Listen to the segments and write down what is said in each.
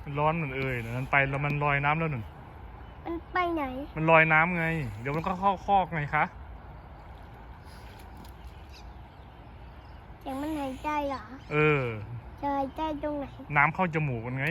มันร้อนเหมือนมันไปแล้วมันลอยน้ำแล้วหนึ่งมันไปไหนมันลอยน้ำไงเดี๋ยวมันก็เข้าคอกไงคะเสียงมันหายใจเหรอจะหายใจตรงไหนน้ำเข้าจมูกมันไง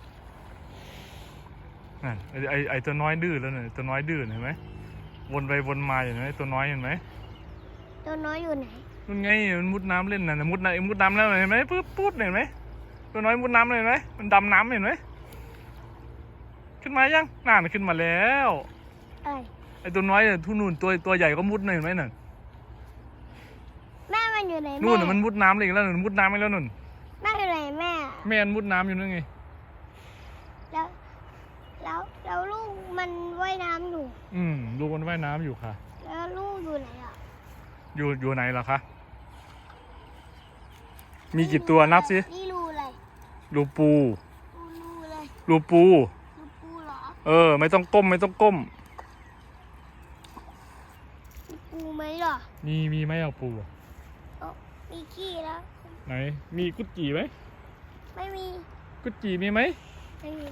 นั่นไอตัวน้อยดื้อแล้วเนี่ยตัวน้อยดื้อเห็นไหมวนไปวนมาเห็นไหมตัวน้อยเห็นไหมตัวน้อยอยู่ไหนนั่นไงมันมุดน้ำเล่นน่ะมุดน้ำแล้วเห็นไหมปุ๊บเห็นไหมตัวน้อยมุดน้ำเลยเห็นไหมมันดำน้ำเห็นไหมขึ้นมายังน่าขึ้นมาแล้วไอตัวน้อยเนี่ยทุ่นนู่นตัวใหญ่ก็มุดเห็นไหมน่ะแม่มันอยู่ไหนนู่นมันมุดน้ำเลยแล้วมุดน้ำไปแล้วนู่นแม่อยู่ไหนแม่มันมุดน้ำอยู่นั่นไงแล้วลูกมันว่ายน้ำอยู่ลูกมันว่ายน้ำอยู่ค่ะแล้วลูกอยู่ไหนอ่ะอยู่ไหนล่ะคะมีกี่ตัวนับสินี่รูอะไรรูปูรูอะไรรูปูเหรอไม่ต้องก้มมีปูไหมหรอมีไหมเอาปูมีขี้แล้วไหนมีกุดจีไหมไม่มีกุดจีมีไหมไม่มี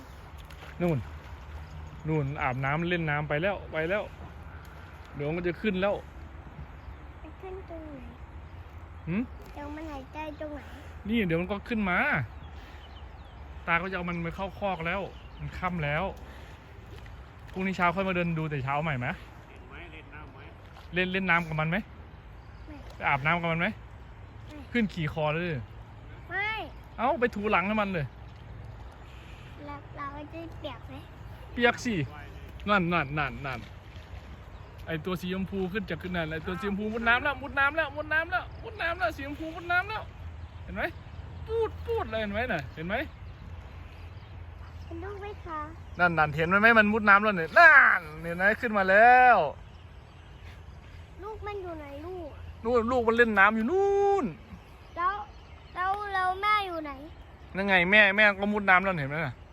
นู่นอาบน้ำเล่นน้ำไปแล้วเดี๋ยวมันจะขึ้นแล้วมันขึ้นตรงไหนเดี๋ยวมันหายใจตรงไหนนี่เดี๋ยวมันก็ขึ้นมาตาก็จะเอามันไปเข้าคอกแล้วมันค่ำแล้วพรุ่งนี้เช้าค่อยมาเดินดูแต่เช้าใหม่ไหมเล่นน้ำกับมันไหมไปอาบน้ำกับมันไหมขึ้นขี่คอเลยไม่เอาไปถูหลังให้มันเลยเราจะเปียกไหมเปียกสินั่นไอตัวสีชมพูขึ้นจากขึ้นนั่นไอตัวสีชมพูมุดน้ำแล้วสีชมพูมุดน้ำแล้วเห็นไหมปูดเลยเห็นไหมน่ะเห็นไหมเห็นลูกไหมคะนั่นเห็นไหมมันมุดน้ำแล้วเนี่ยนั่นเห็นไหมขึ้นมาแล้วลูกมันอยู่ไหนลูกมันเล่นน้ำอยู่นู่นแล้วแม่อยู่ไหนนั่นไงแม่ก็มุดน้ำแล้วเห็นไหมน่ะ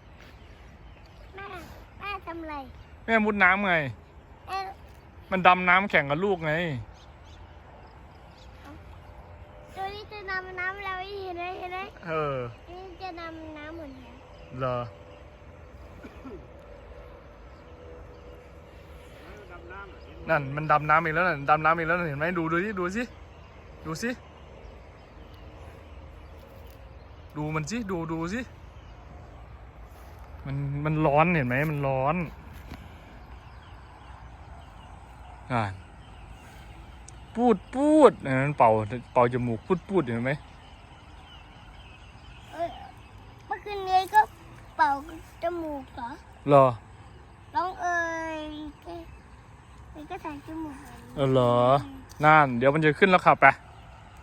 แม่ทำอะไรแม่มุดน้ำไงมันดำน้ำแข่งกับลูกไงตัวนี้จะดำน้ำแล้วเห็นไหมนี่จะดำน้ำเหมือนกันเหรอนั่นมันดำน้ำอีกแล้วดำน้ำอีกแล้วเห็นไหมดูสิดูมันสิดูสิมันร้อนเห็นไหมมันร้อนปูดมันเป่าจมูกปูดเห็นไหมเมื่อคืนนี้ก็เป่าจมูกเหรอร้องก็ใส่จมูกเหรอนั่นเดี๋ยวมันจะขึ้นแล้วขับไป